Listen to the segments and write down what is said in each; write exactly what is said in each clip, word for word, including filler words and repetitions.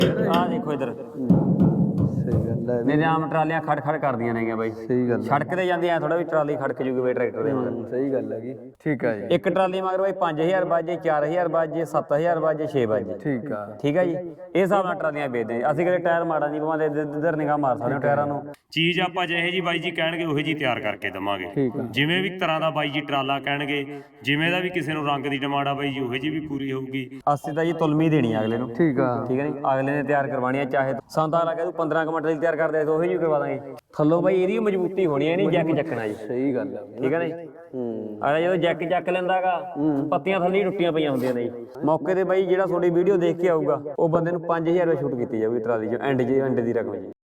ਆ ਦੇਖੋ ਇਧਰ ਸਹੀ ਗੱਲ ਹੈ ਮੇਰੇ ਆਮ ਟਰਾਲੀਆਂ ਖੜ ਖੜ ਕਰਦੀਆਂ ਨੇਗੀਆਂ ਬਾਈ ਸਹੀ ਗੱਲ ਸੜਕ ਤੇ ਜਾਂਦੀ ਐ ਥੋੜਾ ਵੀ ਟਰਾਲੀ ਖੜਕ ਜੂਗੀ ਬਾਈ ਟਰੈਕਟਰ ਦੇ ਮਗਰ ਸਹੀ ਗੱਲ ਹੈਗੀ ਠੀਕ ਆ ਜੀ ਇੱਕ ਟਰਾਲੀ ਮਗਰ ਬਾਈ ਪੰਜ ਹਜ਼ਾਰ ਬਾਜੇ ਚਾਰ ਹਜ਼ਾਰ ਬਾਜੇ ਸੱਤ ਹਜ਼ਾਰ ਬਾਜੇ ਛੇ ਬਾਜੇ ਠੀਕ ਆ ਠੀਕ ਆ ਜੀ ਇਹ ਹਿਸਾਬ ਨਾਲ ਟਰਾਲੀਆਂ ਵੇਚਦੇ ਆ ਅਸੀਂ ਕਦੇ ਟਾਇਰ ਮਾੜਾ ਨਹੀਂ ਪਵਾਉਂਦੇ ਇੱਧਰ ਨਿਗਾਹ ਮਾਰ ਸਕਦੇ ਹੋ ਟਾਇਰਾਂ ਨੂੰ ਚੀਜ਼ ਆਪਾਂ ਜਿਹੇ ਜੀ ਬਾਈ ਜੀ ਕਹਿਣਗੇ ਉਹੀ ਜੀ ਤਿਆਰ ਕਰਕੇ ਦਵਾਂਗੇ ਜਿਵੇਂ ਵੀ ਤਰ੍ਹਾਂ ਦਾ ਬਾਈ ਜੀ ਟਰਾਲਾ ਕਹਿਣਗੇ ਜਿਵੇਂ ਦਾ ਵੀ ਕਿਸੇ ਨੂੰ ਰੰਗ ਦੀ ਡਿਮਾਂਡ ਆ ਬਾਈ ਜੀ ਉਹੀ ਜੀ ਵੀ ਪੂਰੀ ਹੋਊਗੀ ਅਸੀਂ ਤਾਂ ਜੀ ਤੁਲਮੀ ਦੇਣੀ ਆ ਅਗਲੇ ਨੂੰ ਠੀਕ ਆ ਠੀਕ ਹੈ ਨੀ ਅਗਲੇ ਨੇ ਤਿਆਰ ਕਰਵਾਣੀ ਆ ਚਾਹੇ ਸੰਤਾ ਲਾ ਕੇ ਤੂੰ ਪੰਦਰਾਂ ਕੁ ਮਿੰਟ ਲਈ ਤਿਆਰ ਕਰਦੇ ਤਾਂ ਉਹੀ ਜੀ ਕਰਵਾ ਦਾਂਗੇ ਥੱਲੋਂ ਬਾਈ ਇਹਦੀ ਮਜ਼ਬੂਤੀ ਹੋਣੀ ਹੈ ਨਹੀਂ ਜੈਕ ਚੱਕਣਾ ਜੀ ਸਹੀ ਗੱਲ ਹੈ ਠੀਕ ਹੈ ਨੀ ਹੂੰ ਅਗਲਾ ਜਦੋਂ ਜੈਕ ਚੱਕ ਲੈਂਦਾਗਾ ਪੱਤੀਆਂ ਥੱਲੇ ਹੀ ਟੁੱਟੀਆਂ ਪਈਆਂ ਹੁੰਦੀਆਂ ਨੇ ਜੀ ਮੌਕੇ ਤੇ ਬਾਈ ਜਿਹੜਾ ਤੁਹਾਡੀ ਵੀਡੀਓ ਦੇਖ ਕੇ ਆਊਗਾ ਉਹ ਬੰਦੇ ਨੂੰ ਪੰਜ ਹਜ਼ਾਰ ਰੁਪਏ ਛੂਟ ਕੀਤੀ ਜਾਊਗੀ ਟਰਾਲੀ 'ਚ ਐਂਡ ਜੀ ਐਂਡ ਦੀ ਰਕਮ ਜੀ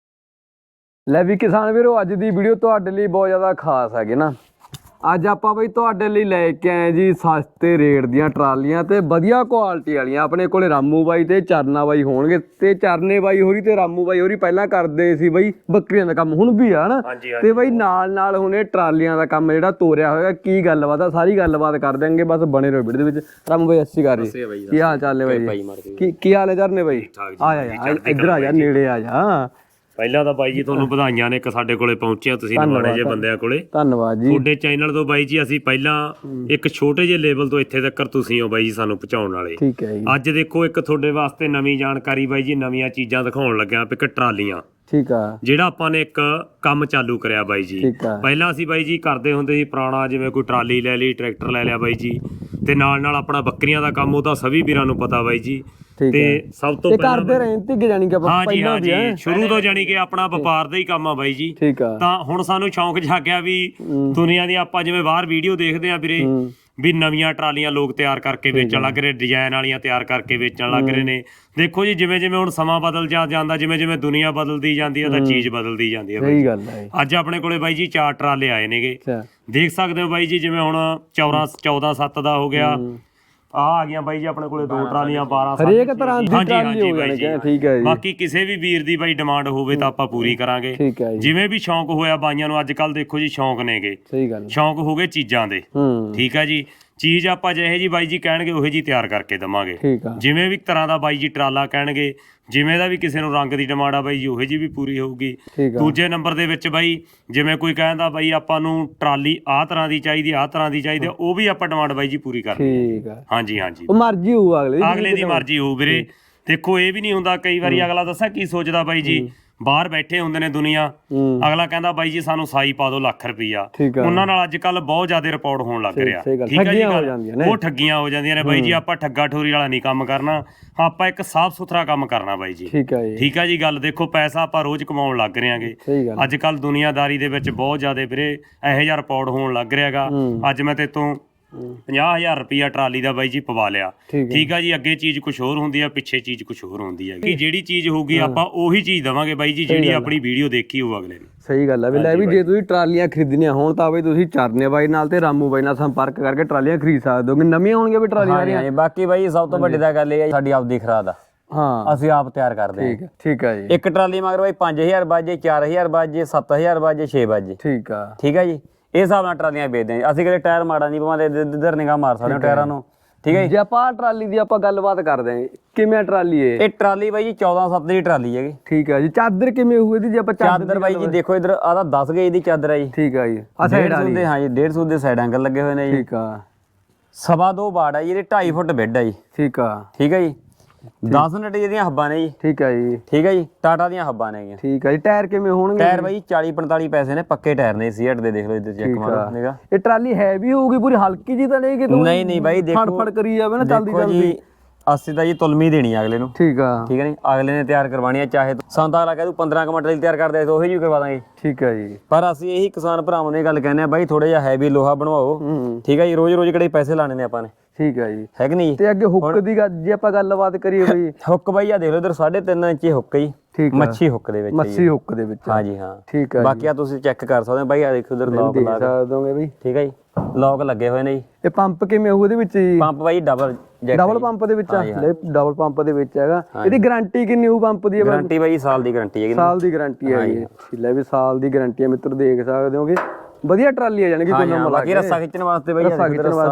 ਲੈ ਵੀ ਕਿਸਾਨ ਵੀਰੋ ਅੱਜ ਦੀ ਵੀਡੀਓ ਤੁਹਾਡੇ ਲਈ ਬਹੁਤ ਜ਼ਿਆਦਾ ਖਾਸ ਹੈਗੀ ਨਾ ਅੱਜ ਆਪਾਂ ਬਈ ਤੁਹਾਡੇ ਲਈ ਲੈ ਕੇ ਆਏ ਜੀ ਸਸਤੇ ਰੇਟ ਦੀਆਂ ਟਰਾਲੀਆਂ ਤੇ ਵਧੀਆ ਕੁਆਲਿਟੀ ਵਾਲੀਆਂ ਆਪਣੇ ਕੋਲੇ ਰਾਮੂ ਬਾਈ ਤੇ ਚਰਨਾ ਬਾਈ ਹੋਣਗੇ ਤੇ ਚਰਨੇ ਬਾਈ ਹੋਰੀ ਤੇ ਰਾਮੂ ਬਾਈ ਹੋਰੀ ਪਹਿਲਾਂ ਕਰਦੇ ਸੀ ਬਈ ਬੱਕਰੀਆਂ ਦਾ ਕੰਮ ਹੁਣ ਵੀ ਆ ਹਨਾ ਤੇ ਬਈ ਨਾਲ ਨਾਲ ਹੁਣ ਇਹ ਟਰਾਲੀਆਂ ਦਾ ਕੰਮ ਜਿਹੜਾ ਤੋਰਿਆ ਹੋਇਆ ਕੀ ਗੱਲਬਾਤ ਆ ਸਾਰੀ ਗੱਲਬਾਤ ਕਰ ਦਿਆਂਗੇ ਬਸ ਬਣੇ ਰਹੋ ਵੀਡੀਓ ਦੇ ਵਿੱਚ ਰਾਮੂ ਬਾਈ ਅੱਸੀ ਕਰ ਰਹੀ ਕੀ ਹਾਲ ਚਾਲ ਨੇ ਬਾਈ ਕੀ ਕੀ ਹਾਲ ਹੈ ਚਰਨੇ ਬਾਈ ਆ ਜਾ ਇੱਧਰ ਆ ਜਾ ਨੇੜੇ ਆ ਜਾ ਪਹਿਲਾਂ ਤਾਂ ਬਾਈ ਜੀ ਤੁਹਾਨੂੰ ਵਧਾਈਆਂ ਨੇ ਇੱਕ ਸਾਡੇ ਕੋਲੇ ਪਹੁੰਚਿਆ ਤੁਸੀਂ ਨਵਾਣੇ ਜਿਹੇ ਬੰਦਿਆਂ ਕੋਲੇ ਧੰਨਵਾਦ ਜੀ ਤੁਹਾਡੇ ਚੈਨਲ ਤੋਂ ਬਾਈ ਜੀ ਅਸੀਂ ਪਹਿਲਾਂ ਇੱਕ ਛੋਟੇ ਜਿਹੇ ਲੈਵਲ ਤੋਂ ਇੱਥੇ ਤੱਕ ਤੁਸੀਂ ਹੋ ਬਾਈ ਜੀ ਸਾਨੂੰ ਪਹੁੰਚਾਉਣ ਵਾਲੇ ਠੀਕ ਹੈ ਜੀ ਅੱਜ ਦੇਖੋ ਇੱਕ ਤੁਹਾਡੇ ਵਾਸਤੇ ਨਵੀਂ ਜਾਣਕਾਰੀ ਬਾਈ ਜੀ ਨਵੀਆਂ ਚੀਜ਼ਾਂ ਦਿਖਾਉਣ ਲੱਗਿਆ ਇੱਕ ਟਰਾਲੀਆਂ ਠੀਕ ਆ ਜਿਹੜਾ ਆਪਾਂ ਨੇ ਇੱਕ ਕੰਮ ਚਾਲੂ ਕਰਿਆ ਬਾਈ ਜੀ ਪਹਿਲਾਂ ਅਸੀਂ ਬਾਈ ਜੀ ਕਰਦੇ ਹੁੰਦੇ ਸੀ ਪੁਰਾਣਾ ਜਿਵੇਂ ਕੋਈ ਟਰਾਲੀ ਲੈ ਲਈ ਟਰੈਕਟਰ ਲੈ ਲਿਆ ਬਾਈ ਜੀ ਤੇ ਨਾਲ ਨਾਲ ਆਪਣਾ ਬੱਕਰੀਆਂ ਦਾ ਕੰਮ ਉਹਦਾ ਸਭੀ ਵੀਰਾਂ ਨੂੰ ਪਤਾ ਬਾਈ ਜੀ ਤੇ ਸਭ ਤੋਂ ਪਹਿਲਾਂ ਕਰਦੇ ਰਹੇ ਤੇ ਜਾਨੀ ਕਿ ਆਪਾਂ ਹਾਂ ਜੀ ਹਾਂ ਜੀ ਸ਼ੁਰੂ ਤੋਂ ਜਾਨੀ ਕਿ ਆਪਣਾ ਵਪਾਰ ਦਾ ਹੀ ਕੰਮ ਆ ਬਾਈ ਜੀ ਠੀਕ ਆ ਤਾਂ ਹੁਣ ਸਾਨੂੰ ਸ਼ੌਂਕ ਜਾਗਿਆ ਵੀ ਦੁਨੀਆ ਦੀ ਆਪਾਂ ਜਿਵੇਂ ਬਾਹਰ ਵੀਡੀਓ ਦੇਖਦੇ ਆ ਵੀਰੇ ਵੀ ਨਵੀਆਂ ਟਰਾਲੀਆਂ ਲੋਕ ਤਿਆਰ ਕਰਕੇ ਵੇਚਣ ਲੱਗ ਰਹੇ ਡਿਜ਼ਾਈਨ ਵਾਲੀਆਂ ਤਿਆਰ ਕਰਕੇ ਵੇਚਣ ਲੱਗ ਰਹੇ ਨੇ ਦੇਖੋ ਜੀ ਜਿਵੇਂ ਜਿਵੇਂ ਹੁਣ ਸਮਾਂ ਬਦਲ ਜਾ ਜਾਂਦਾ ਜਿਵੇਂ ਜਿਵੇਂ ਦੁਨੀਆ ਬਦਲਦੀ ਜਾਂਦੀ ਹੈ ਤਾਂ ਚੀਜ਼ ਬਦਲਦੀ ਜਾਂਦੀ ਹੈ ਸਹੀ ਗੱਲ ਹੈ ਅੱਜ ਆਪਣੇ ਕੋਲੇ ਬਾਈ ਜੀ ਚਾਰ ਟਰਾਲੇ ਆਏ ਨੇਗੇ ਦੇਖ ਸਕਦੇ ਹੋ ਬਾਈ ਜੀ ਜਿਵੇਂ ਹੁਣ ਚੌਦਾਂ ਚੌਦਾਂ ਸੱਤ ਦਾ ਹੋ ਗਿਆ ਆ ਆ ਗਈਆਂ ਬਾਈ ਜੀ ਆਪਣੇ ਕੋਲੇ ਦੋ ਟਰਾਲੀਆਂ ਬਾਰਾਂ ਹਰੇਕ ਤਰ੍ਹਾਂ ਦੀ ਟਰਾਲੀ ਹੋ ਜਾਣੀ ਠੀਕ ਹੈ ਜੀ ਬਾਕੀ ਕਿਸੇ ਵੀ ਵੀਰ ਦੀ ਬਾਈ ਡਿਮਾਂਡ ਹੋਵੇ ਤਾਂ ਆਪਾਂ ਪੂਰੀ ਕਰਾਂਗੇ ਠੀਕ ਹੈ ਜੀ ਜਿਵੇਂ ਵੀ ਸ਼ੌਂਕ ਹੋਇਆ ਬਾਈਆਂ ਨੂੰ ਅੱਜ ਕੱਲ ਦੇਖੋ ਜੀ ਸ਼ੌਂਕ ਨੇਗੇ ਸਹੀ ਗੱਲ ਸ਼ੌਂਕ ਹੋ ਗਏ ਚੀਜ਼ਾਂ ਦੇ ਠੀਕ ਹੈ ਜੀ ਚੀਜ਼ ਆਪਾਂ ਜਿਹੇ ਜੀ ਬਾਈ ਜੀ ਕਹਿਣਗੇ ਉਹੀ ਜੀ ਤਿਆਰ ਕਰਕੇ ਦਵਾਂਗੇ ਜਿਵੇਂ ਵੀ ਤਰ੍ਹਾਂ ਦਾ ਬਾਈ ਜੀ ਟਰਾਲਾ ਕਹਿਣਗੇ ਜਿਵੇਂ ਦਾ ਵੀ ਕਿਸੇ ਨੂੰ ਰੰਗ ਦੀ ਡਿਮਾਂਡ ਆ ਬਾਈ ਜੀ ਉਹੀ ਜੀ ਵੀ ਪੂਰੀ ਹੋਊਗੀ ਦੂਜੇ ਨੰਬਰ ਦੇ ਵਿੱਚ ਬਾਈ ਜਿਵੇਂ ਕੋਈ ਕਹਿੰਦਾ ਬਾਈ ਆਪਾਂ ਨੂੰ ਟਰਾਲੀ ਆਹ ਤਰ੍ਹਾਂ ਦੀ ਚਾਹੀਦੀ ਆਹ ਤਰ੍ਹਾਂ ਦੀ ਚਾਹੀਦੀ ਉਹ ਵੀ ਆਪਾਂ ਡਿਮਾਂਡ ਬਾਈ ਜੀ ਪੂਰੀ ਕਰਨੀ ਠੀਕ ਆ ਹਾਂਜੀ ਹਾਂਜੀ ਉਹ ਮਰਜ਼ੀ ਹੋਊ ਅਗਲੇ ਦੀ ਅਗਲੇ ਦੀ ਮਰਜ਼ੀ ਹੋਊ ਵੀਰੇ ਦੇਖੋ ਇਹ ਵੀ ਨਹੀਂ ਹੁੰਦਾ ਕਈ ਵਾਰੀ ਅਗਲਾ ਦੱਸਾਂ ਕੀ ਸੋਚਦਾ ਬਾਈ ਜੀ ਬਾਹਰ ਬੈਠੇ ਹੁੰਦੇ ਨੇ ਦੁਨੀਆ ਅਗਲਾ ਕਹਿੰਦਾ ਬਾਈ ਜੀ ਸਾਨੂੰ ਸਾਈ ਪਾ ਦਿਓ ਲੱਖ ਰੁਪਈਆ ਉਹਨਾਂ ਨਾਲ ਅੱਜ ਕੱਲ ਬਹੁਤ ਜ਼ਿਆਦਾ ਰਿਪੋਰਟ ਹੋਣ ਲੱਗ ਰਿਹਾ ਠੀਕ ਹੈ ਜੀ ਉਹ ਠੱਗੀਆਂ ਹੋ ਜਾਂਦੀਆਂ ਨੇ ਬਾਈ ਜੀ ਆਪਾਂ ਠੱਗਾ ਠੋਰੀ ਵਾਲਾ ਨਹੀਂ ਕੰਮ ਕਰਨਾ ਆਪਾਂ ਇੱਕ ਸਾਫ਼ ਸੁਥਰਾ ਕੰਮ ਕਰਨਾ ਬਾਈ ਜੀ ਠੀਕ ਹੈ ਜੀ ਠੀਕ ਹੈ ਜੀ ਗੱਲ ਦੇਖੋ ਪੈਸਾ ਆਪਾਂ ਰੋਜ਼ ਕਮਾਉਣ ਲੱਗ ਰਹੇ ਆਂਗੇ ਅੱਜ ਕੱਲ ਦੁਨੀਆਦਾਰੀ ਦੇ ਵਿੱਚ ਬਹੁਤ ਜ਼ਿਆਦਾ ਵੀਰੇ ਇਹੋ ਜਿਹਾ ਰਿਪੋਰਟ ਹੋਣ ਲੱਗ ਰਿਹਾਗਾ ਅੱਜ ਮੈਂ ਤੇ ਤੋਂ ਪੰਜਾਹ ਹਜ਼ਾਰ ਰੁਪਈਆ ਟਰਾਲੀ ਦਾ ਬਾਈ ਜੀ ਪਵਾ ਲਿਆ ਠੀਕ ਆ ਜੀ ਅੱਗੇ ਚੀਜ਼ ਕੁਝ ਹੋਰ ਹੁੰਦੀ ਆ ਪਿੱਛੇ ਚੀਜ਼ ਕੁਝ ਹੋਰ ਹੁੰਦੀ ਹੈ ਕਿ ਜਿਹੜੀ ਚੀਜ਼ ਹੋਊਗੀ ਆਪਾਂ ਉਹੀ ਚੀਜ਼ ਦਵਾਂਗੇ ਬਾਈ ਜੀ ਜਿਹੜੀ ਆਪਣੀ ਵੀਡੀਓ ਦੇਖੀ ਹੋਊ ਅਗਲੇ ਨੇ ਸਹੀ ਗੱਲ ਹੈ ਵੀ ਲੈ ਵੀ ਜੇ ਤੁਸੀਂ ਟਰਾਲੀਆਂ ਖਰੀਦਣੀਆਂ ਹੋਣ ਤਾਂ ਬਈ ਤੁਸੀਂ ਚਰਨੇ ਬਾਈ ਨਾਲ ਤੇ ਰਾਮੂ ਬਾਈ ਨਾਲ ਸੰਪਰਕ ਕਰਕੇ ਟਰਾਲੀਆਂ ਖਰੀਦ ਸਕਦੇ ਹੋ ਨਵੀਆਂ ਹੋਣਗੀਆਂ ਵੀ ਟਰਾਲੀਆਂ ਸਾਰੀਆਂ ਬਾਕੀ ਬਾਈ ਸਭ ਤੋਂ ਵੱਡੀ ਤਾਂ ਗੱਲ ਇਹ ਹੈ ਸਾਡੀ ਆਪਦੀ ਖਰਾਦ ਆ ਹਾਂ ਅਸੀਂ ਆਪ ਤਿਆਰ ਕਰਦੇ ਹਾਂ ਠੀਕ ਆ ਜੀ ਇੱਕ ਟਰਾਲੀ ਮਗਰ ਬਾਈ ਪੰਜ ਹਜ਼ਾਰ ਬਾਜੇ ਚਾਰ ਹਜ਼ਾਰ ਬਾਜੇ ਸੱਤ ਹਜ਼ਾਰ ਬਾਜੇ ਛੇ ਬਾਜੇ ਠੀਕ ਆ ਠੀਕ ਹੈ ਜੀ ਇਹ ਹਿਸਾਬ ਨਾਲ ਟਰਾਲੀਆਂ ਵੇਚਦੇ ਆ ਅਸੀਂ ਕਦੇ ਟਾਇਰ ਮਾੜਾ ਨਹੀਂ ਪਵਾਉਂਦੇ ਇੱਧਰ ਨਿਗਾਹ ਮਾਰ ਸਕਦੇ ਹੋ ਟਾਇਰਾਂ ਨੂੰ ਠੀਕ ਹੈ ਜੇ ਆਪਾਂ ਟਰਾਲੀ ਦੀ ਆਪਾਂ ਗੱਲਬਾਤ ਕਰਦੇ ਆਂ ਕਿਵੇਂ ਟਰਾਲੀ ਹੈ ਇਹ ਟਰਾਲੀ ਬਾਈ ਜੀ ਚੌਦਾਂ ਸੱਤ ਦੀ ਟਰਾਲੀ ਹੈਗੀ ਠੀਕ ਹੈ ਜੀ ਚਾਦਰ ਕਿਵੇਂ ਹੋਊ ਇਹਦੀ ਜੇ ਆਪਾਂ ਚਾਦਰ ਬਾਈ ਜੀ ਦੇਖੋ ਇਧਰ ਆ ਤਾਂ ਦਸ ਗੇਜ ਦੀ ਚਾਦਰ ਹੈ ਜੀ ਠੀਕ ਆ ਜੀ ਆ ਸਾਈਡ ਵਾਲੀ ਹਾਂ ਜੀ ਡੇਢ ਸੌ ਦੇ ਸਾਈਡ ਐਂਗਲ ਲੱਗੇ ਹੋਏ ਨੇ ਜੀ ਠੀਕ ਆ ਸਵਾ ਦੋ ਬਾੜ ਹੈ ਜੀ ਇਹਦੇ ਢਾਈ ਫੁੱਟ ਬੈੱਡ ਹੈ ਜੀ ਠੀਕ ਆ ਠੀਕ ਹੈ ਜੀ ਦਸ ਨਟ ਦੀਆਂ ਹੱਬਾਂ ਨੇ ਜੀ ਠੀਕ ਆ ਜੀ ਠੀਕ ਹੈ ਜੀ ਟਾਟਾ ਦੀਆਂ ਹੱਬਾਂ ਨੇਗੀਆਂ ਠੀਕ ਆ ਜੀ ਟਾਇਰ ਕਿਵੇਂ ਹੋਣਗੇ ਟਾਇਰ ਬਾਈ ਚਾਲੀ ਪੰਤਾਲੀ ਪੈਸੇ ਨੇ ਪੱਕੇ ਟਾਇਰ ਨੇ ਸੀਟ ਦੇ ਦੇਖ ਲਓ ਇੱਧਰ ਚੈੱਕ ਮਾਰੋ ਨਿਗਾ ਇਹ ਟਰਾਲੀ ਹੈਵੀ ਹੋਊਗੀ ਪੂਰੀ ਹਲਕੀ ਜੀ ਤਾਂ ਨਹੀਂ ਕਿ ਨਹੀਂ ਨਹੀਂ ਬਾਈ ਦੇਖੋ ਫੜ ਫੜ ਕਰੀ ਜਾਵੇ ਨਾ ਚੱਲਦੀ ਚੱਲਦੀ ਅਸੀਂ ਤਾਂ ਜੀ ਤੁਲਮੀ ਦੇਣੀ ਆ ਅਗਲੇ ਨੂੰ ਠੀਕ ਆ ਠੀਕ ਹੈ ਨੀ ਅਗਲੇ ਨੇ ਤਿਆਰ ਕਰਵਾਣੀ ਆ ਚਾਹੇ ਸੰਤਾ ਅਗਲਾ ਕਹਿ ਦੂ ਪੰਦਰਾਂ ਕੁ ਮਿੰਟ ਲਈ ਤਿਆਰ ਕਰਦੇ ਤਾਂ ਉਹੀ ਜੀ ਕਰਵਾ ਦਾਂਗੇ ਠੀਕ ਆ ਜੀ ਪਰ ਅਸੀਂ ਇਹੀ ਕਿਸਾਨ ਭਰਾਵਾਂ ਦੀ ਗੱਲ ਕਹਿੰਦੇ ਆ ਬਾਈ ਥੋੜਾ ਜਿਹਾ ਹੈਵੀ ਲੋਹਾ ਬਣਵਾਓ ਠੀਕ ਹੈ ਜੀ ਰੋਜ਼ ਰੋਜ਼ ਕਿਹੜੇ ਪੈਸੇ ਲਾਣੇ ਨੇ ਆਪਾਂ ਨੇ ਠੀਕ ਆ ਜੀ ਹੈ ਕਿ ਨਹੀਂ ਤੇ ਅੱਗੇ ਹੁੱਕ ਦੀ ਗੱਲ ਜੇ ਆਪਾਂ ਗੱਲਬਾਤ ਕਰੀਏ ਬਈ ਹੁੱਕ ਬਾਈ ਆ ਦੇਖ ਲਓ ਇਧਰ ਸਾਢੇ ਤਿੰਨ ਇੰਚੀ ਹੁੱਕ ਜੀ ਮੱਛੀ ਹੁੱਕ ਦੇ ਵਿੱਚ ਮੱਛੀ ਹੁੱਕ ਦੇ ਵਿੱਚ ਹਾਂ ਜੀ ਹਾਂ ਠੀਕ ਆ ਬਾਕੀ ਆ ਤੁਸੀਂ ਚੈੱਕ ਕਰ ਸਕਦੇ ਹੋ ਬਾਈ ਆ ਦੇਖੋ ਇਧਰ ਲੌਕ ਲਾ ਦੋਗੇ ਬਈ ਠੀਕ ਹੈ ਜੀ ਲੌਕ ਲੱਗੇ ਹੋਏ ਨੇ ਜੀ ਇਹ ਪੰਪ ਕਿਵੇਂ ਹੋਊ ਇਹਦੇ ਵਿੱਚ ਜੀ ਪੰਪ ਬਾਈ ਡਬਲ ਡਬਲ ਪੰਪ ਦੇ ਵਿੱਚ ਆ ਡਬਲ ਪੰਪ ਦੇ ਵਿੱਚ ਹੈਗਾ ਇਹਦੀ ਗਾਰੰਟੀ ਕਿੰਨੀ ਹੋਊ ਪੰਪ ਦੀ ਗਾਰੰਟੀ ਬਾਈ ਸਾਲ ਦੀ ਗਾਰੰਟੀ ਹੈਗੀ ਸਾਲ ਦੀ ਗਾਰੰਟੀ ਹੈ ਜੀ ਲੈ ਵੀ ਸਾਲ ਦੀ ਗਾਰੰਟੀ ਹੈ ਮਿੱਤਰ ਦੇਖ ਸਕਦੇ ਹੋਗੇ ਵਧੀਆ ਟਰਾਲੀ ਆ ਜਾਣੀ ਕਿ ਕੋਈ ਨਾ ਬਾਕੀ ਰੱਸਾ ਖਿੱਚਣ ਵਾਸਤੇ ਬਾਈ ਰੱਸਾ ਖਿੱਚਣ ਵਾਸਤੇ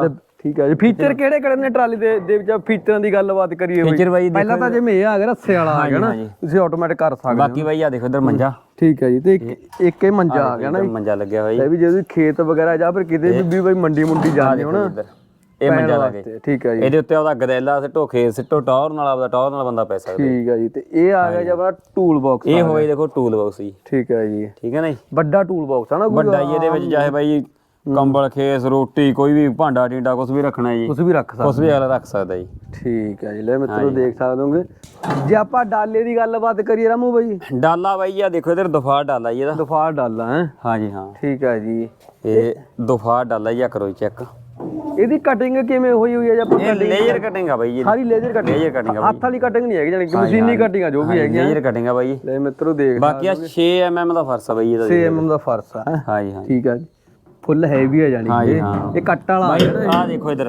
ਠੀਕ ਹੈ ਜੀ ਫੀਚਰ ਕਿਹੜੇ ਕਿਹੜੇ ਨੇ ਟਰਾਲੀ ਦੇ ਦੇ ਵਿੱਚ ਫੀਚਰਾਂ ਦੀ ਗੱਲਬਾਤ ਕਰੀਏ ਫੀਚਰ ਬਾਈ ਪਹਿਲਾਂ ਤਾਂ ਜਿਵੇਂ ਇਹ ਆ ਗਿਆ ਰੱਸੇ ਵਾਲਾ ਆ ਗਿਆ ਨਾ ਤੁਸੀਂ ਆਟੋਮੈਟਿਕ ਕਰ ਸਕਦੇ ਹੋ ਬਾਕੀ ਬਾਈ ਆ ਦੇਖੋ ਇਧਰ ਮੰਜਾ ਠੀਕ ਹੈ ਜੀ ਤੇ ਇੱਕ ਇੱਕ ਇਹ ਮੰਜਾ ਆ ਗਿਆ ਨਾ ਮੰਜਾ ਲੱਗਿਆ ਹੋਇਆ ਜੀ ਇਹ ਵੀ ਜੇ ਤੁਸੀਂ ਖੇਤ ਵਗੈਰਾ ਜਾਂ ਫਿਰ ਕਿਤੇ ਵੀ ਬਈ ਮੰਡੀ ਮੁੰਡੀ ਜਾਂਦੇ ਹੋ ਨਾ ਇਹ ਮੰਜਾ ਲੱਗੇ ਠੀਕ ਹੈ ਜੀ ਇਹਦੇ ਉੱਤੇ ਉਹਦਾ ਗਦੈਲਾ ਸਿੱਟੋ ਖੇਤ ਸਿੱਟੋ ਟੌਰ ਨਾਲ ਆਪਦਾ ਟੌਰ ਨਾਲ ਬੰਦਾ ਪੈ ਸਕਦਾ ਠੀਕ ਹੈ ਜੀ ਤੇ ਇਹ ਆ ਗਿਆ ਜੀ ਆਪਣਾ ਟੂਲ ਬਾਕਸ ਇਹ ਹੋਏ ਦੇਖੋ ਟੂਲ ਬਾਕਸ ਜੀ ਠੀਕ ਹੈ ਜੀ ਠੀਕ ਹੈ ਨਾ ਜੀ ਵੱਡਾ ਟੂਲ ਬਾਕਸ ਆ ਨਾ ਵੱਡਾ ਜੀ ਇਹਦੇ ਵਿੱਚ ਚਾਹੇ ਬਾਈ ਕੰਬਲ ਖੇਸ ਰੋਟੀ ਕੋਈ ਵੀ ਭਾਂਡਾ ਟਿੰਡਾ ਕੁਝ ਵੀ ਰੱਖਣਾ ਜੀ ਕੁਝ ਵੀ ਰੱਖ ਸਕਦੇ ਕੁਝ ਵੀ ਅਗਲਾ ਰੱਖ ਸਕਦਾ ਜੀ ਠੀਕ ਹੈ ਜੀ ਲੈ ਮਿੱਤਰੋ ਦੇਖ ਸਕਦੇ ਹੋਗੇ ਜੇ ਆਪਾਂ ਡਾਲੇ ਦੀ ਗੱਲਬਾਤ ਕਰੀਏ ਰਾਮੂ ਬਾਈ ਡਾਲਾ ਬਾਈ ਆ ਦੇਖੋ ਇਧਰ ਦਫਾਰ ਡਾਲਾ ਜੀ ਇਹਦਾ ਦਫਾਰ ਡਾਲਾ ਹੈ ਹਾਂਜੀ ਹਾਂ ਠੀਕ ਹੈ ਜੀ ਇਹ ਦਫਾਰ ਡਾਲਾ ਜੀ ਆ ਕਰੋ ਚੈੱਕ ਇਹਦੀ ਕਟਿੰਗ ਕਿਵੇਂ ਹੋਈ ਹੋਈ ਹੈ ਜਾਂ ਇਹ ਲੇਜ਼ਰ ਕਟਿੰਗ ਆ ਬਾਈ ਜੀ ਸਾਰੀ ਲੇਜ਼ਰ ਕਟਿੰਗ ਲੇਜ਼ਰ ਕਟਿੰਗ ਆ ਹੱਥ ਵਾਲੀ ਕਟਿੰਗ ਨਹੀਂ ਹੈਗੀ ਜਾਨੀ ਕਿ ਮਸ਼ੀਨੀ ਕਟਿੰਗ ਆ ਜੋ ਵੀ ਹੈਗੀ ਲੇਜ਼ਰ ਕਟਿੰਗ ਆ ਬਾਈ ਲੈ ਮਿੱਤਰੋ ਦੇਖ ਬਾਕੀ ਆ ਛੇ ਐਮ ਐਮ ਦਾ ਫਰਸ ਆ ਬਾਈ ਇਹਦਾ ਛੇ ਐਮ ਐਮ ਦਾ ਫਰਸ ਆ ਹਾਂਜੀ ਹਾਂ ਠੀਕ ਹੈ ਜੀ ਫੁੱਲ ਹੈਵੀ ਆ ਜਾਨੀ ਹਾਂਜੀ ਕਿ ਹਾਂ ਇਹ ਕੱਟ ਵਾਲਾ ਬਾਈ ਆ ਦੇਖੋ ਇਧਰ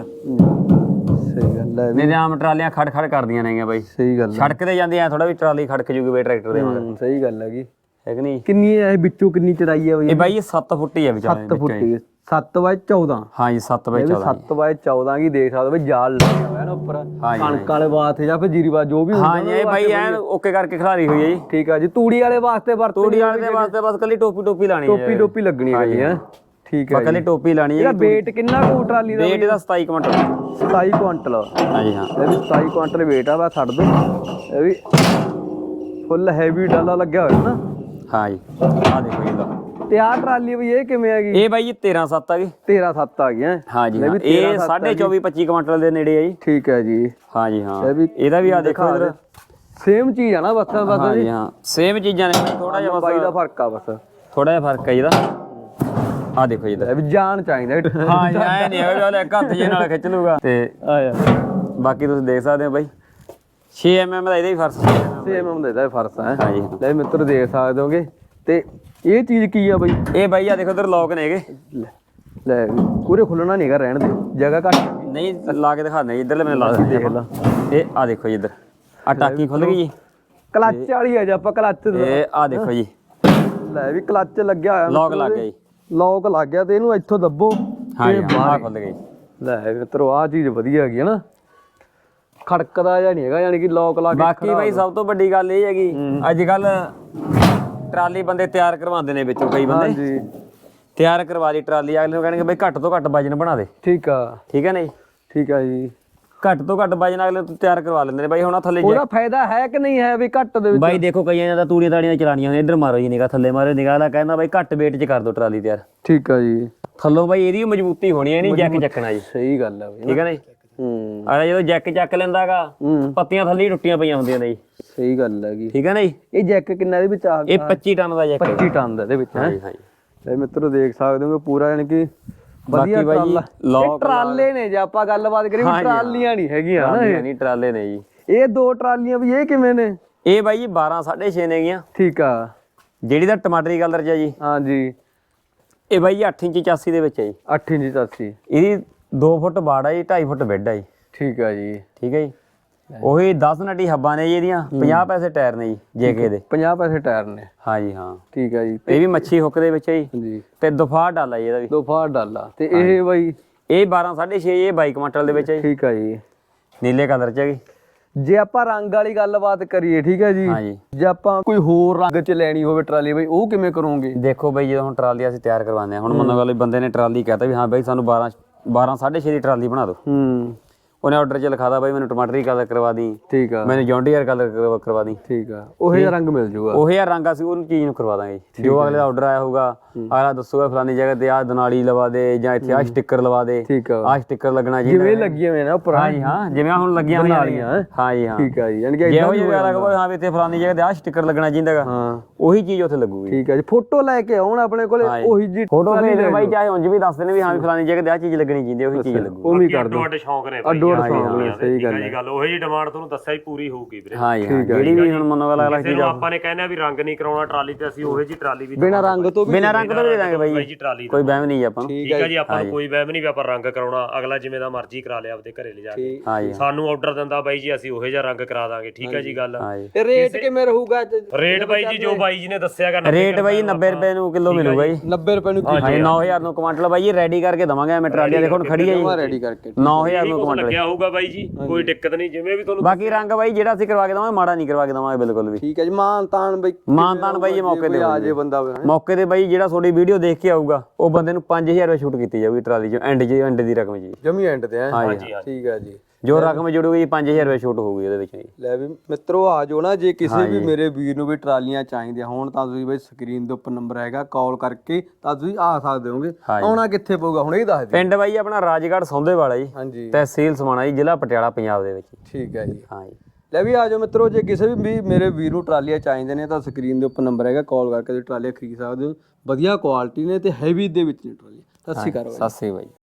ਸਹੀ ਗੱਲ ਹੈ ਮੇਰੇ ਆਮ ਟਰਾਲੀਆਂ ਖੜ ਖੜ ਕਰਦੀਆਂ ਨੇਗੀਆਂ ਬਾਈ ਸਹੀ ਗੱਲ ਹੈ ਸੜਕ ਤੇ ਜਾਂਦੀ ਐ ਥੋੜਾ ਵੀ ਟਰਾਲੀ ਖੜਕ ਜੂਗੀ ਬਾਈ ਟਰੈਕਟਰ ਦੇ ਮਗਰ ਸਹੀ ਗੱਲ ਹੈਗੀ ਹੈ ਕਿ ਨਹੀਂ ਕਿੰਨੀ ਹੈ ਇਹ ਵਿੱਚੋਂ ਕਿੰਨੀ ਚੜਾਈ ਆ ਬਈ ਇਹ ਬਾਈ ਸੱਤ ਫੁੱਟ ਹੀ ਆ ਵਿਚਾਲੇ ਸੱਤ ਫੁੱਟ ਸੱਤ ਬਾਈ ਚੌਦਾਂ ਹਾਂਜੀ ਸੱਤ ਬਾਈ ਚੌਦਾਂ ਸੱਤ ਬਾਈ ਚੌਦਾਂ ਕੀ ਦੇਖ ਸਕਦੇ ਬਈ ਜਾਲ ਲੱਗਿਆ ਹੋਇਆ ਨਾ ਉੱਪਰ ਕਣਕ ਵਾਲੇ ਵਾਸਤੇ ਜਾਂ ਫਿਰ ਜੀਰੀ ਵਾਸਤੇ ਜੋ ਵੀ ਹਾਂਜੀ ਇਹ ਬਾਈ ਐ ਓਕੇ ਕਰਕੇ ਖਿਲਾਰੀ ਹੋਈ ਹੈ ਜੀ ਠੀਕ ਆ ਜੀ ਤੂੜੀ ਵਾਲੇ ਵਾਸਤੇ ਵਰਤ ਤੂੜੀ ਵਾਲੇ ਦੇ ਵਾਸਤੇ ਬਸ ਕੱਲੀ ਟੋਪੀ ਟੋਪੀ ਲਾਣੀ ਹੈ ਟੋਪੀ ਟੋਪੀ ਲੱਗਣੀ ਹੈ ਜੀ ਹੈ ਠੀਕ ਹੈ ਕੱਲੀ ਟੋਪੀ ਲਾਣੀ ਹੈ ਇਹਦਾ weight ਕਿੰਨਾ ਕੁ ਟਰਾਲੀ ਦਾ weight ਇਹਦਾ ਸਤਾਈ ਕੁਇੰਟਲ ਸਤਾਈ ਕੁਇੰਟਲ ਹਾਂਜੀ ਹਾਂ ਇਹ ਵੀ ਸਤਾਈ ਕੁਇੰਟਲ weight ਆ ਬਾ ਛੱਡ ਦੋ ਇਹ ਵੀ ਫੁੱਲ ਹੈਵੀ ਡਾਲਾ ਲੱਗਿਆ ਹੋਇਆ ਨਾ ਹਾਂਜੀ ਆ ਦੇਖੋ ਇਹਦਾ ਤੇ ਆਹ ਟਰਾਲੀ ਵੀ ਇਹ ਕਿਵੇਂ ਹੈਗੀ ਇਹ ਬਾਈ ਜੀ ਤੇਰਾਂ ਸੱਤ ਆ ਗਈ ਤੇਰਾਂ ਸੱਤ ਆ ਗਈਆਂ ਹਾਂਜੀ ਹਾਂ ਇਹ ਸਾਢੇ ਚੌਵੀ ਪੱਚੀ ਕੁਇੰਟਲ ਦੇ ਨੇੜੇ ਆ ਜੀ ਠੀਕ ਹੈ ਜੀ ਹਾਂਜੀ ਹਾਂ ਇਹਦਾ ਵੀ ਆ ਦੇਖੋ ਇਧਰ ਸੇਮ ਚੀਜ਼ ਆ ਨਾ ਬਸ ਬਸ ਹਾਂਜੀ ਹਾਂ ਸੇਮ ਚੀਜ਼ਾਂ ਨੇ ਥੋੜਾ ਜਿਹਾ ਬਾਈ ਦਾ ਫਰਕ ਆ ਬਸ ਥੋੜਾ ਜਿਹਾ ਫਰਕ ਹੈ ਇਹਦਾ ਆ ਦੇਖੋ ਜੀ ਇਹ ਵੀ ਜਾਣ ਚਾਹੀਦਾ ਹਾਂ ਜੀ ਐ ਨਹੀਂ ਹੈਗਾ ਉਹਲੇ ਹੱਥ ਜੇ ਨਾਲ ਖਿੱਚ ਲੂਗਾ ਤੇ ਆ ਯਾਰ ਬਾਕੀ ਤੁਸੀਂ ਦੇਖ ਸਕਦੇ ਹੋ ਬਾਈ ਛੇ ਐਮ ਐਮ ਦਾ ਇਹਦਾ ਵੀ ਫਰਸ ਛੇ ਐਮ ਐਮ ਦਾ ਇਹਦਾ ਫਰਸ ਹੈ ਹਾਂਜੀ ਲੈ ਮਿੱਤਰ ਦੇਖ ਸਕਦੇ ਹੋਗੇ ਤੇ ਇਹ ਚੀਜ਼ ਕੀ ਆ ਬਾਈ ਇਹ ਬਾਈ ਆ ਦੇਖੋ ਇਧਰ ਲੋਕ ਨੇਗੇ ਲੈ ਪੂਰੇ ਖੁੱਲਣਾ ਨਹੀਂਗਾ ਰਹਿਣ ਦੇ ਜਗ੍ਹਾ ਘੱਟ ਨਹੀਂ ਲਾ ਕੇ ਦਿਖਾਉਂਦੇ ਇਧਰਲੇ ਮੈਨੂੰ ਲਾ ਦੇਖ ਲਾ ਇਹ ਆ ਦੇਖੋ ਜੀ ਇਧਰ ਆ ਟਾਕੀ ਖੁੱਲ ਗਈ ਜੀ ਕਲੱਚ ਵਾਲੀ ਆ ਜੇ ਆਪਾਂ ਕਲੱਚ ਇਹ ਆ ਦੇਖੋ ਜੀ ਲੈ ਵੀ ਕਲੱਚ ਲੱਗਿਆ ਹੋਇਆ ਲੋਕ ਲੱਗ ਗਿਆ ਜੀ ਲੋਕ ਲੱਗ ਗਿਆ ਤੇ ਇਹਨੂੰ ਇੱਥੋਂ ਦੱਬੋ ਹਾਂ ਜੀ ਆ ਖੁੱਲ ਗਈ ਲੈ ਮਿੱਤਰੋ ਆ ਚੀਜ਼ ਵਧੀਆ ਹੈਗੀ ਹੈ ਨਾ ਖੜਕਦਾ ਜਾਂ ਨਹੀਂ ਹੈਗਾ ਯਾਨੀ ਕਿ ਲੋਕ ਲਾ ਕੇ ਬਾਕੀ ਬਾਈ ਸਭ ਤੋਂ ਵੱਡੀ ਗੱਲ ਇਹ ਹੈਗੀ ਅੱਜ ਕੱਲ ਟਰਾਲੀ ਬੰਦੇ ਤਿਆਰ ਕਰਵਾਉਂਦੇ ਨੇ ਵਿੱਚੋਂ ਕਈ ਬੰਦੇ ਹਾਂਜੀ ਤਿਆਰ ਕਰਵਾ ਦੀ ਟਰਾਲੀ ਅਗਲੇ ਨੂੰ ਕਹਿਣਗੇ ਬਈ ਘੱਟ ਤੋਂ ਘੱਟ ਵਜਨ ਬਣਾ ਦੇ ਠੀਕ ਆ ਠੀਕ ਹੈ ਨਾ ਜੀ ਠੀਕ ਆ ਜੀ ਘੱਟ ਤੋਂ ਘੱਟ ਵਜਨ ਅਗਲੇ ਤੋਂ ਤਿਆਰ ਕਰਵਾ ਲੈਂਦੇ ਨੇ ਬਾਈ ਹੁਣ ਥੱਲੇ ਉਹਦਾ ਫਾਇਦਾ ਹੈ ਕਿ ਨਹੀਂ ਹੈ ਵੀ ਘੱਟ ਦੇ ਵਿੱਚ ਬਾਈ ਦੇਖੋ ਕਈਆਂ ਦਾ ਤੂੜੀਆਂ ਤਾੜੀਆਂ ਚਲਾਣੀਆਂ ਨੇ ਇੱਧਰ ਮਾਰੋ ਜੀ ਨਿਗਾਹ ਥੱਲੇ ਮਾਰੋ ਨਿਗਾਹ ਲਾ ਕਹਿੰਦਾ ਬਾਈ ਘੱਟ weight 'ਚ ਕਰ ਦੋ ਟਰਾਲੀ ਤਿਆਰ ਠੀਕ ਆ ਜੀ ਥੱਲੋਂ ਬਾਈ ਇਹਦੀ ਮਜ਼ਬੂਤੀ ਹੋਣੀ ਹੈ ਨਹੀਂ ਜੈਕ ਚੱਕਣਾ ਜੀ ਸਹੀ ਗੱਲ ਆ ਬਈ ਠੀਕ ਹੈ ਨਾ ਜੀ ਹੂੰ ਅਰੇ ਜਦੋਂ ਜੈਕ ਚੱਕ ਲੈਂਦਾਗਾ ਪੱਤੀਆਂ ਥੱਲੇ ਹੀ ਟੁੱਟੀਆਂ ਪਈਆਂ ਹੁੰਦੀਆਂ ਨੇ ਜੀ ਸਹੀ ਗੱਲ ਹੈਗੀ ਠੀਕ ਹੈ ਨਾ ਜੀ ਇਹ ਜੈਕ ਕਿੰਨਾ ਦੇ ਵਿੱਚ ਆ ਇਹ ਪੱਚੀ ਟਨ ਦਾ ਜੈਕ ਹੈ ਪੱਚੀ ਟਨ ਦਾ ਇਹਦੇ ਵਿੱਚ ਹੈ ਹਾਂਜੀ ਹਾਂਜੀ ਤੇ ਮਿੱਤਰੋ ਦੇਖ ਸਕਦੇ ਹੋ ਪੂਰਾ ਯਾਨੀ ਕਿ ਵਧੀਆ ਬਾਕੀ ਬਾਈ ਇਹ ਟਰਾਲੇ ਨੇ ਜੇ ਆਪਾਂ ਗੱਲਬਾਤ ਕਰੀਏ ਵੀ ਟਰਾਲੀਆਂ ਨਹੀਂ ਹੈਗੀਆਂ ਨਾ ਇਹ ਨਹੀਂ ਟਰਾਲੇ ਨੇ ਜੀ ਇਹ ਦੋ ਟਰਾਲੀਆਂ ਵੀ ਇਹ ਕਿਵੇਂ ਨੇ ਇਹ ਬਾਈ ਜੀ ਬਾਰਾਂ ਸਾਢੇ ਛੇ ਨੇਗੀਆਂ ਠੀਕ ਆ ਜਿਹੜੀ ਦਾ ਟਮਾਟਰੀ ਕਲਰ ਚ ਆ ਜੀ ਹਾਂਜੀ ਇਹ ਬਾਈ ਜੀ ਅੱਠ ਇੰਚ ਚਾਸੀ ਦੇ ਵਿੱਚ ਹੈ ਜੀ ਅੱਠ ਇੰਚ ਚਾਸੀ ਇਹਦੀ ਦੋ ਫੁੱਟ ਬਾੜ ਆ ਜੀ ਢਾਈ ਫੁੱਟ ਬੈੱਡ ਆ ਜੀ ਠੀਕ ਆ ਜੀ ਠੀਕ ਹੈ ਜੀ ਉਹੀ ਦਸ ਨਟੀ ਹੱਬਾਂ ਨੇ ਜੀ ਇਹਦੀਆਂ ਪੰਜਾਹ ਪੈਸੇ ਟਾਇਰ ਨੇ ਜੀ ਜੇਕੇ ਦੇ ਪੰਜਾਹ ਪੈਸੇ ਟਾਇਰ ਨੇ ਹਾਂਜੀ ਹਾਂ ਠੀਕ ਆ ਜੀ ਇਹ ਵੀ ਮੱਛੀ ਹੁੱਕ ਦੇ ਵਿੱਚ ਹੈ ਜੀ ਜੀ ਤੇ ਦਫਾਰ ਡਾਲਾ ਜੀ ਇਹਦਾ ਵੀ ਦੋ ਫਾੜ ਡਾਲਾ ਤੇ ਇਹ ਬਾਈ ਇਹ ਬਾਰਾਂ ਸਾਢੇ ਛੇ ਇਹ ਬਾਈ ਕੁਇੰਟਲ ਦੇ ਵਿੱਚ ਹੈ ਜੀ ਠੀਕ ਆ ਜੀ ਨੀਲੇ ਕਲਰ ਚ ਹੈਗੀ ਜੇ ਆਪਾਂ ਰੰਗ ਵਾਲੀ ਗੱਲਬਾਤ ਕਰੀਏ ਠੀਕ ਹੈ ਜੀ ਹਾਂਜੀ ਜੇ ਆਪਾਂ ਕੋਈ ਹੋਰ ਰੰਗ ਚ ਲੈਣੀ ਹੋਵੇ ਟਰਾਲੀ ਬਈ ਉਹ ਕਿਵੇਂ ਕਰੋਗੇ ਦੇਖੋ ਬਈ ਜਦੋਂ ਹੁਣ ਟਰਾਲੀ ਅਸੀਂ ਤਿਆਰ ਕਰਵਾਉਂਦੇ ਆ ਹੁਣ ਮੰਨੋ ਗੱਲ ਬੰਦੇ ਨੇ ਟਰਾਲੀ ਕਹਤਾ ਵੀ ਹਾਂ ਬਾਈ ਸਾਨੂੰ ਬਾਰਾਂ ਬਾਰਾਂ ਸਾਢੇ ਛੇ ਦੀ ਟਰਾਲੀ ਬਣਾ ਦਿਓ ਹੂੰ ਉਹਨੇ ਆਰਡਰ ਚ ਲਿਖਾਦਾ ਬਾਈ ਮੈਨੂੰ ਟਮਾਟਰੀ ਕਲਰ ਕਰਵਾ ਦੀ ਠੀਕ ਆ ਮੈਨੂੰ ਜੌਂਡੀਅਰ ਕਲਰ ਕਰਵਾ ਦੀ ਠੀਕ ਆ ਉਹੇ ਜਿਹਾ ਰੰਗ ਮਿਲ ਜਾਊਗਾ ਉਹੀ ਆ ਰੰਗ ਅਸੀਂ ਉਹਨੂੰ ਚੀਜ਼ ਨੂੰ ਕਰਵਾ ਦਾਂਗੇ ਜੀ ਜੋ ਅਗਲੇ ਦਾ ਆਰਡਰ ਆਇਆ ਹੋਊਗਾ ਅਗਲਾ ਦੱਸੂਗਾ ਫਲਾਨੀ ਜਗ੍ਹਾ ਤੇ ਆਹ ਦਨਾਲੀ ਲਵਾ ਦੇ ਜਾਂ ਇੱਥੇ ਆਹ ਸਟicker ਲਵਾ ਦੇ ਠੀਕ ਆ ਆਹ ਸਟicker ਲੱਗਣਾ ਜੀ ਜਿਵੇਂ ਲੱਗੀਆਂ ਹੋਈਆਂ ਨਾ ਉੱਪਰ ਹਾਂਜੀ ਹਾਂ ਜਿਵੇਂ ਹੁਣ ਲੱਗੀਆਂ ਹੋਈਆਂ ਨੇ ਹਾਂਜੀ ਹਾਂ ਠੀਕ ਆ ਜੀ ਯਾਨੀ ਕਿ ਜੇ ਉਹ ਜਿਹੜਾ ਲੱਗੋ ਹਾਂ ਵੀ ਇੱਥੇ ਫਲਾਨੀ ਜਗ੍ਹਾ ਤੇ ਆਹ ਸਟicker ਲੱਗਣਾ ਚਾਹੀਦਾਗਾ ਹਾਂ ਉਹੀ ਚੀਜ਼ ਉੱਥੇ ਲੱਗੂਗੀ ਠੀਕ ਆ ਜੀ ਫੋਟੋ ਲੈ ਕੇ ਆਉਣ ਆਪਣੇ ਕੋਲੇ ਉਹੀ ਜੀ ਫੋਟੋ ਭੇਜ ਦੇ ਬਾਈ ਚਾਹੇ ਉਂਝ ਵੀ ਦੱਸ ਦੇਣ ਵੀ ਹਾਂ ਵੀ ਫਲਾਨੀ ਜਗ੍ਹਾ ਤੇ ਆਹ ਚੀਜ਼ ਲੱਗਣੀ ਚਾਹੀਦੀ ਉਹੀ ਚੀਜ਼ ਲੱਗੂ ਉਹ ਵੀ ਕਰ ਦੋ ਅੱਡ ਸ਼ੌਂਕ ਨੇ ਅੱਡੋ ਛੋਟ ਸੌਂਗ ਸਹੀ ਗੱਲ ਹੈ ਜੀ ਗੱਲ ਉਹ ਜੀ ਡਿਮਾਂਡ ਤੁਹਾਨੂੰ ਦੱਸਿਆ ਹੀ ਪੂਰੀ ਹੋਊਗੀ ਵੀਰੇ ਹਾਂ ਜੀ ਜਿਹੜੀ ਵੀ ਹੁਣ ਮੰਨੋ ਗੱਲ ਅਗਲਾ ਕਿਸੇ ਨੂੰ ਆਪਾਂ ਨੇ ਕਹਿੰਦੇ ਆ ਵੀ ਰੰਗ ਨਹੀਂ ਕਰਾਉਣਾ ਟਰਾਲੀ ਤੇ ਅਸੀਂ ਉਹੇ ਜੀ ਟਰਾਲੀ ਵੀ ਬਿਨਾ ਰੰਗ ਤੋਂ ਵੀ ਬਿਨਾ ਰੰਗ ਤੋਂ ਵੀ ਦੇ ਦਾਂਗੇ ਬਾਈ ਜੀ ਟਰਾਲੀ ਕੋਈ ਵਹਿਮ ਨਹੀਂ ਜੀ ਆਪਾਂ ਨੂੰ ਠੀਕ ਹੈ ਜੀ ਆਪਾਂ ਨੂੰ ਕੋਈ ਵਹਿਮ ਨਹੀਂ ਵੀ ਆਪਾਂ ਰੰਗ ਕਰਾਉਣਾ ਅਗਲਾ ਜਿਵੇਂ ਦਾ ਮਰਜ਼ੀ ਕਰਾ ਲਿਆ ਆਪਦੇ ਘਰੇ ਲਿਜਾ ਕੇ ਹਾਂ ਜੀ ਸਾਨੂੰ ਆਰਡਰ ਦਿੰਦਾ ਬਾਈ ਜੀ ਅਸੀਂ ਉਹੇ ਜਿਹਾ ਰੰਗ ਕਰਾ ਦਾਂਗੇ ਠੀਕ ਹੈ ਜੀ ਗੱਲ ਹਾਂ ਜੀ ਤੇ ਰੇਟ ਕਿਵੇਂ ਰਹੂਗਾ ਰੇਟ ਬਾਈ ਜੀ ਜੋ ਬਾਈ ਜੀ ਨੇ ਦੱਸਿਆਗਾ ਰੇਟ ਬਾਈ ਨੱਬੇ ਰੁਪਏ ਨੂੰ ਕਿਲੋ ਮਿਲੂਗਾ ਜੀ ਨੱਬੇ ਰੁਪਏ ਨੂੰ ਹਾਂ ਨੌ ਹਜ਼ਾਰ ਨੂੰ ਕੁਆਂਟਲ ਬਾਈ ਜੀ ਰੈਡੀ ਕਰਕੇ ਦਵਾਂਗੇ ਐਵੇਂ ਟਰਾਲੀਆਂ ਦੇਖੋ ਹੁਣ ਖੜੀ ਹੈ ਜੀ ਰੈਡੀ ਕਰਕੇ ਨੌ ਹਜ਼ਾਰ ਨੂੰ ਕੁਆਂਟਲ ਲੱਗਿਆ ਹੋਊਗਾ ਬਾਈ ਜੀ ਕੋਈ ਦਿੱਕਤ ਨਹੀਂ ਜਿਵੇਂ ਵੀ ਤੁਹਾਨੂੰ ਬਾਕੀ ਰੰਗ ਬਾਈ ਜਿਹੜਾ ਅਸੀਂ ਕਰਵਾ ਕੇ ਦਵਾਂਗੇ ਮਾੜਾ ਨਹੀਂ ਕਰਵਾ ਕੇ ਦਵਾਂਗੇ ਬਿਲਕੁਲ ਵੀ ਠੀਕ ਹੈ ਜੀ ਮਾਨ ਤਾਨ ਬਾਈ ਮਾਨ ਤਾਨ ਬਾਈ ਇਹ ਮੌਕੇ ਤੇ ਆ ਜੇ ਬੰਦਾ ਮੌਕੇ ਤੇ ਬਾਈ ਜਿਹੜਾ ਤੁਹਾਡੀ ਵੀਡੀਓ ਦੇਖ ਕੇ ਆਊਗਾ ਉਹ ਬੰਦੇ ਨੂੰ ਪੰਜ ਹਜ਼ਾਰ ਰੁਪਏ ਛੂਟ ਕੀਤੀ ਜਾਊਗੀ ਟਰਾਲੀ 'ਚ ਐਂਡ 'ਚ ਐਂਡ ਦੀ ਰਕਮ ਜੀ ਜਮੀ ਐਂਡ ਤੇ ਹਾਂ ਜੀ ਠੀਕ ਹੈ ਜੀ ਜੋ ਰਕਮ ਜੁੜੂਗੀ ਪੰਜ ਹਜ਼ਾਰ ਰੁਪਏ ਛੂਟ ਹੋਊਗੀ ਉਹਦੇ ਵਿੱਚ ਜੀ ਲੈ ਵੀ ਮਿੱਤਰੋ ਆ ਜਾਓ ਨਾ ਜੇ ਕਿਸੇ ਵੀ ਮੇਰੇ ਵੀਰ ਨੂੰ ਵੀ ਟਰਾਲੀਆਂ ਚਾਹੀਦੀਆਂ ਹੋਣ ਤਾਂ ਤੁਸੀਂ ਬਈ ਸਕਰੀਨ ਦੇ ਉੱਪਰ ਨੰਬਰ ਹੈਗਾ ਕਾਲ ਕਰਕੇ ਤਾਂ ਤੁਸੀਂ ਆ ਸਕਦੇ ਹੋਗੇ ਆਉਣਾ ਕਿੱਥੇ ਪਊਗਾ ਹੁਣ ਇਹ ਦੱਸ ਦਿਓ ਪਿੰਡ ਬਾਈ ਆਪਣਾ ਰਾਜਗੜ੍ਹ ਸੌਂਦੇਵਾਲਾ ਜੀ ਹਾਂਜੀ ਤਹਿਸੀਲ ਸਮਾਣਾ ਜੀ ਜ਼ਿਲ੍ਹਾ ਪਟਿਆਲਾ ਪੰਜਾਬ ਦੇ ਵਿੱਚ ਠੀਕ ਹੈ ਜੀ ਹਾਂ ਜੀ ਲੈ ਵੀ ਆ ਜਾਓ ਮਿੱਤਰੋ ਜੇ ਕਿਸੇ ਵੀ ਮੇਰੇ ਵੀਰ ਨੂੰ ਟਰਾਲੀਆਂ ਚਾਹੀਦੇ ਨੇ ਤਾਂ ਸਕਰੀਨ ਦੇ ਉੱਪਰ ਨੰਬਰ ਹੈਗਾ ਕਾਲ ਕਰਕੇ ਤੁਸੀਂ ਟਰਾਲੀਆਂ ਖਰੀਦ ਸਕਦੇ ਹੋ ਵਧੀਆ ਕੁਆਲਿਟੀ ਨੇ ਤੇ ਹੈਵੀ ਦੇ ਵਿੱਚ ਨੇ ਟਰਾਲੀ ਸਤਿ ਸ਼੍ਰੀ ਅਕਾਲ ਸਤਿ ਸ਼੍ਰੀ ਅਕਾਲ ਬਾਈ